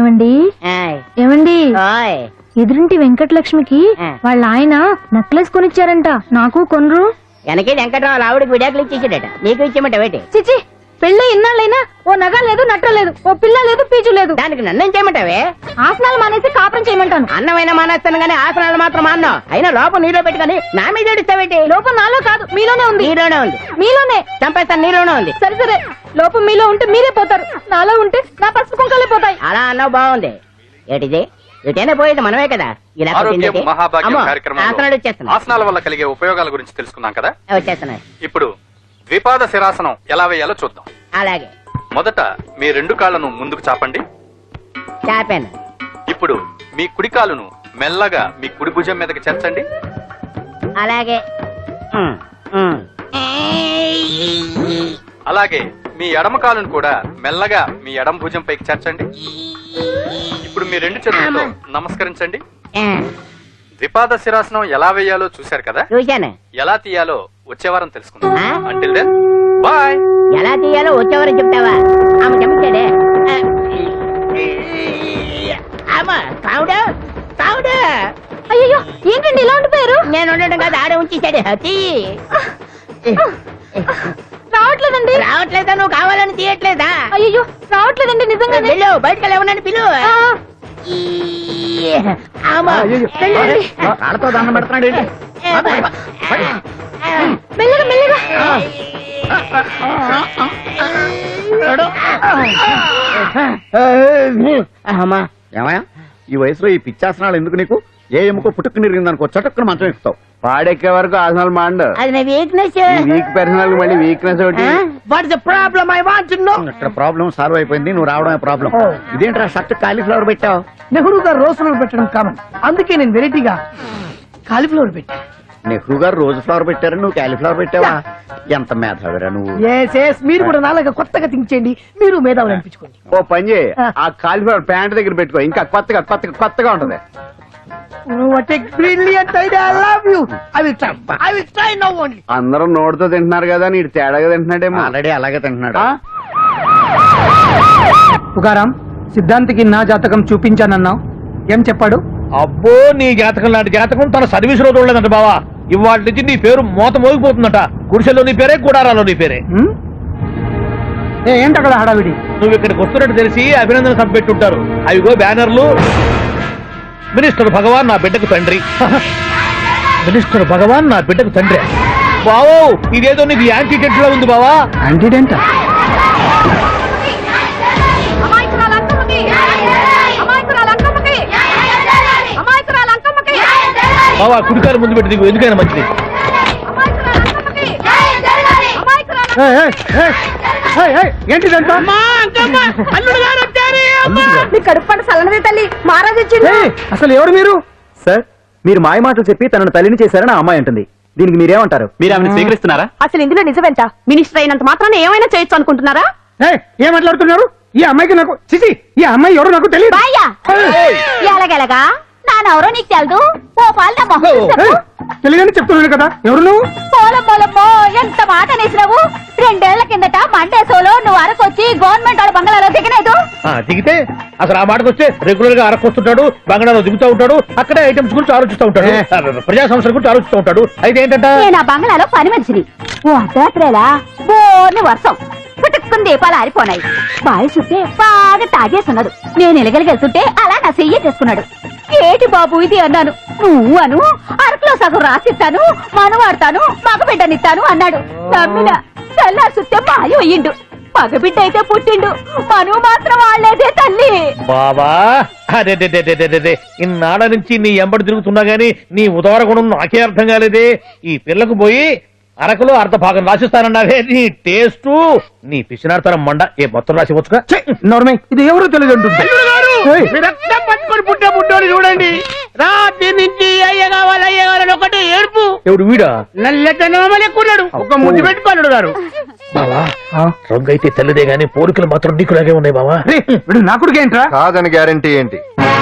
ఏమండి ఏమండి ఎదురింటి వెంకటలక్ష్మికి వాళ్ళ ఆయన నెక్లెస్ కొనిచ్చారంట, నాకు కొనరు. వెనకే వెంకటరావు ఆవిడకి విడాకులు ఇచ్చేసాడట, నీకు ఇచ్చేమంట వేటి? చిచి, పెళ్ళి ఇన్నాళ్ళైనా ఓ నగ లేదు, నట్ట లేదు, ఓ పిల్ల లేదు, పీచు లేదు. దానికి నన్నేం చేయమంటావే? ఆసనాలు మానేసి కాపురం చేయమంటాను. అన్నమైనా మానేస్తాను గానీ ఆసనాలు మాత్రం మాన్నా. అయినా లోపం నీలో పెట్టుకుని నా మీద ఏడుస్తావేటి? లోపం నాలో కాదు, మీలోనే ఉంది. నీలోనే ఉంది. మీలోనే చంపేస్తాను, నీలోనే ఉంది. సరే సరే, లోపం మీలో ఉంటే మీరే పోతారు, నాలో ఉంటే నా పసుపు కుంకాలే పోతాయి. అలా అన్నావు, బాగుంది. ఏటిది? ఇటైనా పోయేది మనమే కదా. ఇలా ఆరోగ్యం మహాభాగ్యం కార్యక్రమంలో ఆసనాలు వచ్చేస్తున్నాయి. ఆసనాల వల్ల కలిగే ఉపయోగాల గురించి తెలుసుకున్నాం కదా. వచ్చేస్తున్నాయి. ఇప్పుడు ద్విపాద శిరాసనం ఎలా వేయాలో చూద్దాం. అలాగే మొదట మీ రెండు కాళ్ళను ముందుకు చాపండి. చాపాను. ఇప్పుడు మీ కుడి కాలును మెల్లగా మీ కుడి భుజం మీదకి చేర్చండి. అలాగే అలాగే మీ ఎడమ కాలును కూడా మెల్లగా మీ ఎడమ భుజం పైకి చేర్చండి. ఇప్పుడు మీ రెండు చేతులతో నమస్కరించండి. ద్విపాద శిరాసనం ఎలా వేయాలో చూశారు కదా. చూశాను. ఎలా తీయాలో వచ్చే వారం తెలుసుకుందాం. Until then bye. ఎలా తీయాలో వచ్చేవారు చెప్తావా? ఆమె చెప్తాడే. అయ్యో, ఏంటండి ఇలా ఉండిపోయారు? నేను ఉండడం కాదు, ఆడే ఉంచేసాడే. రావట్లేదండి. రావట్లేదా? నువ్వు కావాలని తీయట్లేదా? అయ్యో, రావట్లేదండి నిజంగానే. వెళ్ళు, బయటకు లేవనని పిలు. కాళ్ళతో దండం పెడుతున్నాడు. మెల్లగా మెల్లగా. ఏమయ్యా, ఈ వయసులో ఈ పిచ్చాసనాలు ఎందుకు నీకు? ఏ ఎముకో పుట్టుకు నిరిగిందనుకో చటుక్కున మంచం ఎక్కుతావు. పాడెక్కే వరకు ఆసనాలు మాండు. అది నా వీక్నెస్. వీక్ పర్సనల్ మళ్ళీ వీక్నెస్ ఒకటి. What the problem? I want to know. ఇక్కడ ప్రాబ్లం సాల్వ్ అయిపోయింది, నువ్వు రావడమే ప్రాబ్లం. ఇదేంట్రా షర్ట్ కాలీఫ్లవర్ పెట్టావు? నెహ్రూ గారు రోజ్ ఫ్లవర్ పెట్టడం కామన్, అందుకే నేను వెరైటీగా కాలీఫ్లవర్ పెట్టా. నెహ్రూ గారు రోజు ఫ్లవర్ పెట్టారు, నువ్వు కాలీఫ్లవర్ పెట్టావా? ఎంత మేధావిరా నువ్వు. మీరు కూడా నాలుగా కొత్తగా థింక్ చేయండి, మీరు మేధావులు అనిపించుకోండి. ఓ పని చేయి, ఆ కాలీఫ్లవర్ ప్యాంట్ దగ్గర పెట్టుకో, ఇంకా కొత్తగా ఉంటది. అందరూ నోటితో తింటున్నారు కదా, నీడు తేడాగా తింటున్నాడేమో. ఆల్రెడీ అలాగే తింటున్నాడు. పుకారాం, సిద్ధాంతికి నా జాతకం చూపించానన్నావు, ఏం చెప్పాడు? అబ్బో, నీ జాతకం లాంటి జాతకం తన సర్వీస్ లో చూడలేదంట బావా. ఇవాళ నుంచి నీ పేరు మోత మోగిపోతుందట. గుడిసెల్లో నీ పేరే, గుడారాలో నీ పేరే. ఏంటి అక్కడ హడావిడి? నువ్వు ఇక్కడికి వస్తున్నట్టు తెలిసి అభినందన సభ పెట్టుంటారు. అవిగో బ్యానర్లు. మినిస్టర్ భగవాన్ నా బిడ్డకు తండ్రి. మినిస్టర్ భగవాన్ నా బిడ్డకు తండ్రి. బావో, ఇదేదో నీకు యాంటీడెంట్ లో ఉంది బావా. యాంటీడెంట్? బావా, కుడికారు ముందు పెట్టి దిగు, ఎందుకైనా మంచిది. ఏంటిదంట? కడుపు సల్లనది తల్లి, మహారాజు వచ్చింది. అసలు ఎవరు మీరు? సార్, మీరు మాయ మాటలు చెప్పి తనను తల్లిని చేశారని ఆ అమ్మాయి అంటుంది. దీనికి మీరేమంటారు? మీరు ఆమెను స్వీకరిస్తున్నారా? అసలు ఇందులో నిజమేంట? మినిస్టర్ అయినంత మాత్రాన ఏమైనా చేయొచ్చు అనుకుంటున్నారా? ఏం మాట్లాడుతున్నారు? ఈ అమ్మాయికి నాకు చిసి, ఈ అమ్మాయి ఎవరు నాకు తెలియదు. ఎలాగెలగా నానెవరో నీకు తెలదు. ఓ పాలు తెలియదని చెప్తున్నాను కదా, ఎవరు నువ్వు? పోలమ్మో, ఎంత మాట అనేసినావు. 2 ఏళ్ల కిందట మండే సోలో నువ్వు అరకొచ్చి గవర్నమెంట్ వాళ్ళ బంగాళాలో దిగలేదు. దిగితే అసలు ఆ మాటకు వస్తే రెగ్యులర్ గా అరకొస్తుంటాడు, బంగాళాలో దిగుతూ ఉంటాడు, అక్కడే ఐటమ్స్ గురించి ఆలోచిస్తూ ఉంటాడు, ప్రజా సమస్యల గురించి ఆలోచిస్తూ ఉంటాడు. అయితే ఏంటంటే నేను ఆ బంగాళాలో పని మనిషిని. ఓ అర్ధరాత్రేలా బోర్ని వర్షం పుట్టుకుని దీపాలు ఆరిపోనాయి. బాయి చుట్టే బాగా తాగేస్తున్నాడు. నేను ఎలగలిగెళ్తుంటే అలా నా చెయ్యి చేసుకున్నాడు. ఏటి బాబు ఇది అన్నాను. నువ్వు అను, అరకులో సగం రాసిస్తాను, మనవాడతాను, మగబిడ్డనిస్తాను అన్నాడు. నమ్మిన తెల్లారి చుట్టే మాయ అయ్యిండు. మగబిడ్డ అయితే పుట్టిండు, మనువు మాత్రం వాళ్ళేదే తల్లి. బాబా, అదే ఇన్నాళ్ళ నుంచి నీ ఎంబడి తిరుగుతున్నా గానీ నీ ఉదార గుణం నాకే అర్థం కాలేదే. ఈ పిల్లకు పోయి అరకులో అర్ధ భాగం రాసిస్తానన్నావే, నీ టేస్టు నీ పిచ్చినాడతనం మండ. ఏ మొత్తం రాసి వచ్చుగా. ఇది ఎవరు తెలియదు అంటుంది. పట్టుకొని పుట్టే పుట్టోని చూడండి. రాత్రి నుంచి అయ్య కావాలని ఒకటి ఏడుపు. ఎవడు వీడా? నల్లెట్టనోమలు ఎక్కున్నాడు. ఒక ముద్దు పెట్టుకోలేడు గారు. బావా, రంగు అయితే తెల్లదే గానీ పోలికలు మాత్రం నీకులాగే ఉన్నాయి బావా. నా కొడుకు ఏంట్రా? కాదని గ్యారంటీ ఏంటి?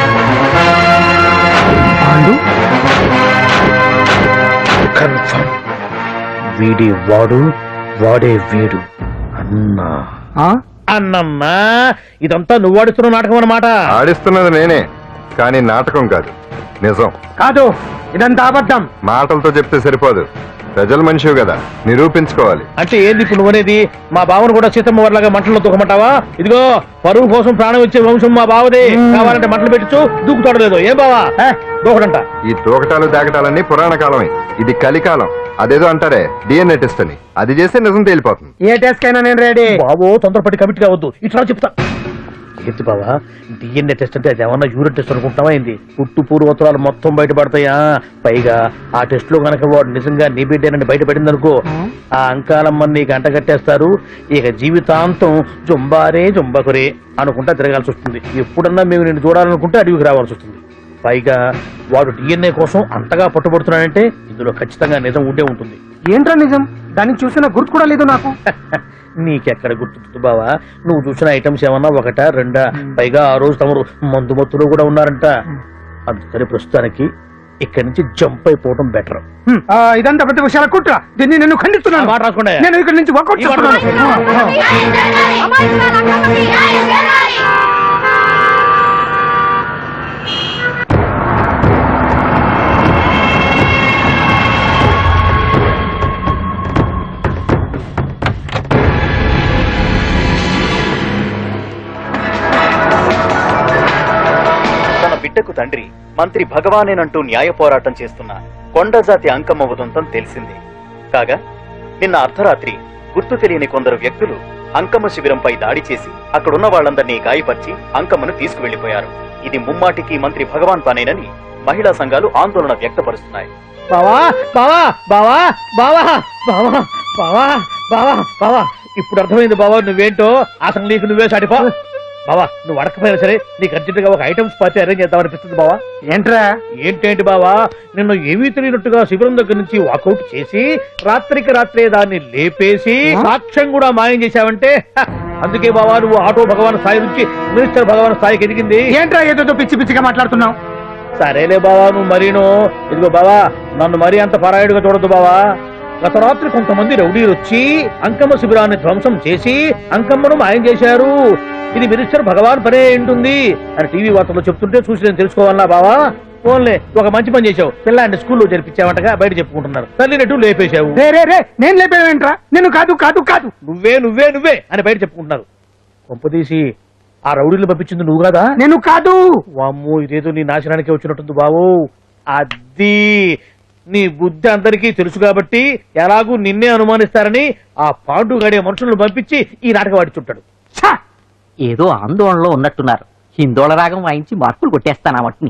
కన్ఫర్మ్, వీడి వాడు, వాడే వీడు అన్నా. అన్నమ్మా ఇదంతా నువ్వు ఆడుతున్న నాటకం అన్నమాట. ఆడిస్తున్నది నేనే, కానీ నాటకం కాదు, నిజం. కాదు, ఇదంతా అబద్ధం. మాటలతో చెప్తే సరిపోదు, ప్రజల మనిషివి కదా, నిరూపించుకోవాలి. అంటే ఏంది ఇప్పుడు నువ్వనేది? మా బావను కూడా సీతమ్మ వారిలాగా మంటల్లో తూకమంటావా? ఇదిగో పరువు కోసం ప్రాణం ఇచ్చే వంశం మా బావదే. కావాలంటే మంటలు పెట్టచ్చు, దూకుతాడలేదు. ఏం బావా దూకడంట? ఈ తూకటాలు దాకటాలన్నీ పురాణ కాలమే, ఇది కలికాలం. అదేదో అంటారే డిఎన్ఏ టెస్ట్ అని, అది చేస్తే నిజం తేలిపోతుంది. ఏ టెస్ట్ కైనా నేను రెడీ. బాబో తొందరపడి కమిట్ కావద్దు, ఇట్లా చెప్తా. ఏంటి బావా డిఎన్ఏ టెస్ట్ అంటే అది ఏమన్నా యూరిన్ టెస్ట్ అనుకుంటున్నావా ఏంది? పుట్టు పూర్వోత్తరాలు మొత్తం బయటపడతాయా? పైగా ఆ టెస్ట్ లో కనుక వాడు నిజంగా నీ బిడ్డేనని బయటపడింది అనుకో, ఆ అంకాలమ్మని నీకు అంటగట్టేస్తారు. ఇక జీవితాంతం జుంబారే జుంబకురే అనుకుంటా తిరగాల్సి వస్తుంది. ఎప్పుడన్నా మేము నేను చూడాలనుకుంటే అడవికి రావాల్సి వస్తుంది. పైగా వాడు డిఎన్ఏ కోసం అంతగా పట్టుబడుతున్నాడంటే ఇందులో ఖచ్చితంగా నిజం ఉండే ఉంటుంది. ఏంట్రా నిజం? దాన్ని చూసిన గుర్తు కూడా లేదు నాకు. నీకెక్కడ గుర్తుంది బావా? నువ్వు చూసిన ఐటమ్స్ ఏమన్నా ఒకటా రెండా? పైగా ఆ రోజు తమరు మందు మత్తులో కూడా ఉన్నారంట. అందుకని ప్రస్తుతానికి ఇక్కడి నుంచి జంప్ అయిపోవడం బెటర్. ఇదంతా పెద్ద విషయాల కుట్ర. దీన్ని నేను ఖండిస్తున్నాను. మాట రాసుకోండి. నేను ఇక్కడి నుంచి వర్కౌట్ చేస్తున్నాను. బిడ్డకు తండ్రి మంత్రి భగవానేనంటూ న్యాయ పోరాటం చేస్తున్న కొండజాతి అంకమ్మ ఉదంతం తెలిసింది. కాగా నిన్న అర్ధరాత్రి గుర్తు తెలియని కొందరు వ్యక్తులు అంకమ్మ శిబిరంపై దాడి చేసి అక్కడున్న వాళ్లందరినీ గాయపరిచి అంకమ్మను తీసుకువెళ్లిపోయారు. ఇది ముమ్మాటికి మంత్రి భగవాన్ పనేనని మహిళా సంఘాలు ఆందోళన వ్యక్తపరుస్తున్నాయి. బావా బావా బావా బావా బావా బావా బావా బావా ఇప్పుడు అర్థమైంది బావా నువ్వేంటో. అసలు నీకు నువ్వే సాటిపా. బావా నువ్వు అడకపోయినా సరే నీకు అర్జెంట్ గా ఒక ఐటమ్స్ పార్టీ అరేంజ్ చేద్దామనిపిస్తుంది బావా. ఏంట్రా? ఏంటేంటి బావా, నిన్ను ఏమీ తెలియనట్టుగా శిబిరం దగ్గర నుంచి వాకౌట్ చేసి రాత్రికి రాత్రే దాన్ని లేపేసి సాక్ష్యం కూడా మాయం చేశావంటే అందుకే బావా నువ్వు ఆటో భగవాన్ స్థాయి నుంచి మినిస్టర్ భగవాన్ స్థాయికి ఎదిగింది. ఏంట్రా ఏదో పిచ్చి పిచ్చిగా మాట్లాడుతున్నావు? సరేలే బావా నువ్వు మరీను. ఇదిగో బావా నన్ను మరీ అంత పరాయుడుగా చూడద్దు బావా. గత రాత్రి కొంతమంది రౌడీలు వచ్చి అంకమ్మ శిబిరాన్ని ధ్వంసం చేసి అంకమ్మను మాయం చేశారు. ఇది మినిస్టర్ భగవాన్ పనే ఉంటుంది అని టీవీ వార్తల్లో చెప్తుంటే చూసి నేను తెలుసుకోవాలన్నా బావా. ఫోన్లే ఒక మంచి పని చేశావు, పిల్లాన్ని స్కూల్లో జరిపించావంటగా బయట చెప్పుకుంటున్నారు. తల్లినట్టు లేపేశావు. నేను లేపేవేంట్రా? నేను కాదు కాదు కాదు నువ్వే నువ్వే నువ్వే అని బయట చెప్పుకుంటున్నారు. కొంపదీసి ఆ రౌడీలు పంపించింది నువ్వు కాదా? నేను కాదు. వామ్మో ఇదేదో నీ నాశనానికి వచ్చినట్టుంది బావు. అది నీ బుద్ధి అందరికీ తెలుసు కాబట్టి ఎలాగూ నిన్నే అనుమానిస్తారని ఆ పాండు గడే మనుషులను పంపించి ఈ నాటకం ఆడిచుంటాడు. ఏదో ఆందోళనలో ఉన్నట్టున్నారు. హిందోళ రాగం వాయించి మార్కులు కొట్టేస్తాను ఆ మట్టిని.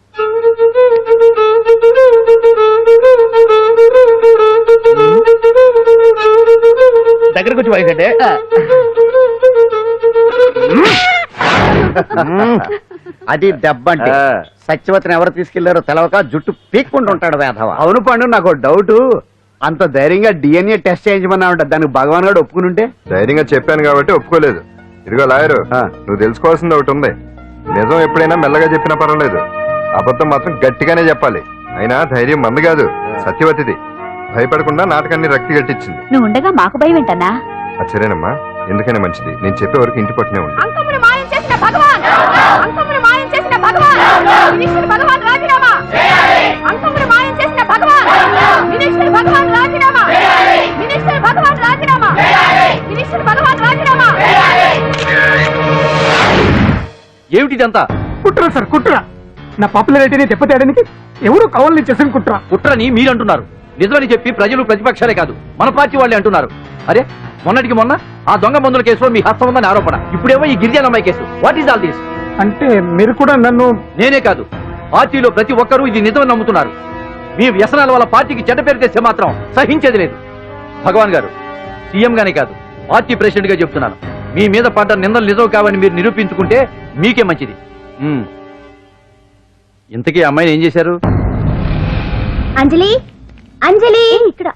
దగ్గరకు వచ్చి వాయించండి. అది దెబ్బంటే. సత్యవతిని ఎవరు తీసుకెళ్లారో తెలవక జుట్టు పీక్కుంటుంటాడు వేధవ. అవును పండు, నాకు డౌట్. అంత ధైర్యంగా డిఎన్ఏ టెస్ట్ చేయించమన్నా ఉంటా, దానికి భగవాన్ గారు ఒప్పుకుని ఉంటే. ధైర్యంగా చెప్పాను కాబట్టి ఒప్పుకోలేదు. ఇదిగో లాయరు, నువ్వు తెలుసుకోవాల్సింది ఒకటి ఉంది. నిజం ఎప్పుడైనా మెల్లగా చెప్పినా పర్వాలేదు, అబద్ధం మాత్రం గట్టిగానే చెప్పాలి. అయినా ధైర్యం మంది కాదు, సత్యవతిది. భయపడకుండా నాటకాన్ని రక్తి గట్టించింది. నువ్వు ఉండగా మాకు భయం ఏంటన్నా? సరేనమ్మా, ఎందుకైనా మంచిది. నేను చెప్పే వరకు ఇంటి పట్టునే ఉంది. అంకమ్మను మాయం చేసిన భగవాన్, అంకమ్మను మాయం చేసిన భగవాన్, మినిస్టర్ భగవాన్ రాజీనామా. అంకమ్మను మాయం చేసిన భగవాన్, మినిస్టర్ భగవాన్ రాజీనామా. మినిస్టర్ భగవాన్ రాజీనామా. మినిస్టర్ భగవాన్ రాజీనామా. ఏమిటిదంతా? కుట్ర సార్, కుట్ర. నా పాపులారిటీని దెబ్బతేయడానికి ఎవరు కావాలని చేసిన కుట్ర. కుట్రని మీరంటున్నారు. నిజమని చెప్పి ప్రజలు ప్రతిపక్షాలే కాదు మన పార్టీ వాళ్ళే అంటున్నారు. అరే మొన్నటికి మొన్న ఆ దొంగ మందుల కేసులో మీ హస్తం ఉందని ఆరోపణ, ఇప్పుడేమో ఈ గిరిజన అమ్మాయి case. What is all this? అంటే మీరు కూడా నన్ను... నేనే కాదు, పార్టీలో ప్రతి ఒక్కరూ ఇది నిజమని నమ్ముతున్నారు. మీ వ్యసనాల వల్ల పార్టీకి చెడ్డ పేరు తెస్తే మాత్రం సహించేది లేదు. భగవాన్ గారు, సీఎం గానే కాదు పార్టీ ప్రెసిడెంట్ గా చెప్తున్నాను, మీ మీద పడ్డ నిందలు నిజం కావని మీరు నిరూపించుకుంటే మీకే మంచిది. ఇంతకీ అమ్మాయిని ఏం చేశారు? అంజలి, అంజలి ఇక్కడ.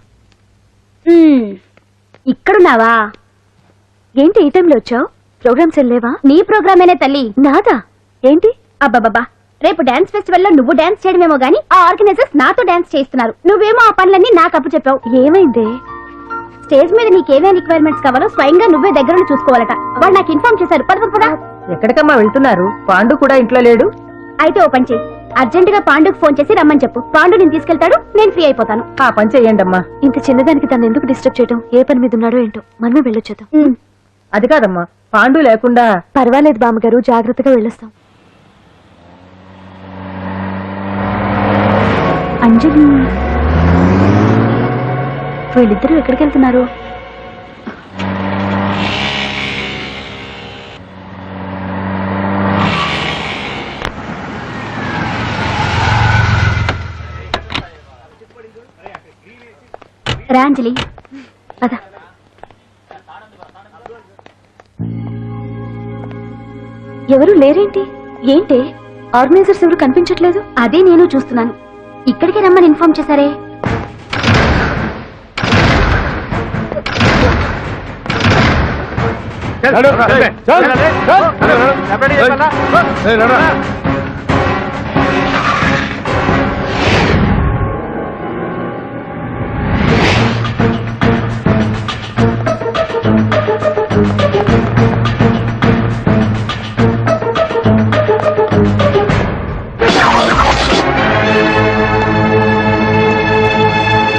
ఇక్కడున్నావా? ఏంటి ఈ టైంలో వచ్చావు? ప్రోగ్రామ్స్ వెళ్ళేవా? నీ ప్రోగ్రామేనే తల్లి. నాదా? ఏంటి? అబ్బాబాబా, రేపు డాన్స్ ఫెస్టివల్ లో నువ్వు డాన్స్ చేయడమేమో గానీ ఆ ఆర్గనైజర్స్ నాతో డాన్స్ చేస్తున్నారు. నువ్వేమో ఆ పనులన్నీ నాకు అప్పు చెప్పావు. ఏమైంది? స్టేజ్ మీద నీకేమేం రిక్వైర్మెంట్స్ కావాలో స్వయంగా నువ్వే దగ్గర చూసుకోవాలట వాళ్ళు నాకు ఇన్ఫార్మ్ చేశారు. పద. ఎక్కడికమ్మా వెళ్తున్నారు? పాండు కూడా ఇంట్లో లేడు. అయితే ఓ పని చేయి, అర్జెంట్ గా పాండుకు ఫోన్ చేసి రమ్మని చెప్పు. పాండు నేను తీసుకెళ్తాడు, నేను ఫ్రీ అయిపోతాను. ఆ పని చెయ్యండి అమ్మా. ఇంత చిన్నదానికి తను ఎందుకు డిస్టర్బ్ చేయడం? ఏ పని మీద ఉన్నాడో ఏంటో, మనమే వెళ్ళొచ్చేద్దాం. అది కాదమ్మా, పాండు లేకుండా. పర్వాలేదు బామ్మగారు, జాగ్రత్తగా వెళ్ళొస్తాం. అంజలి, వీళ్ళిద్దరూ ఎక్కడికి వెళ్తున్నారు? రా అంజలి, పద. ఎవరు లేరేంటి? ఏంటి ఆర్గనైజర్స్ ఎవరు కనిపించట్లేదు? అదే నేను చూస్తున్నాను. ఇక్కడికి రమ్మని ఇన్ఫార్మ్ చేశారే.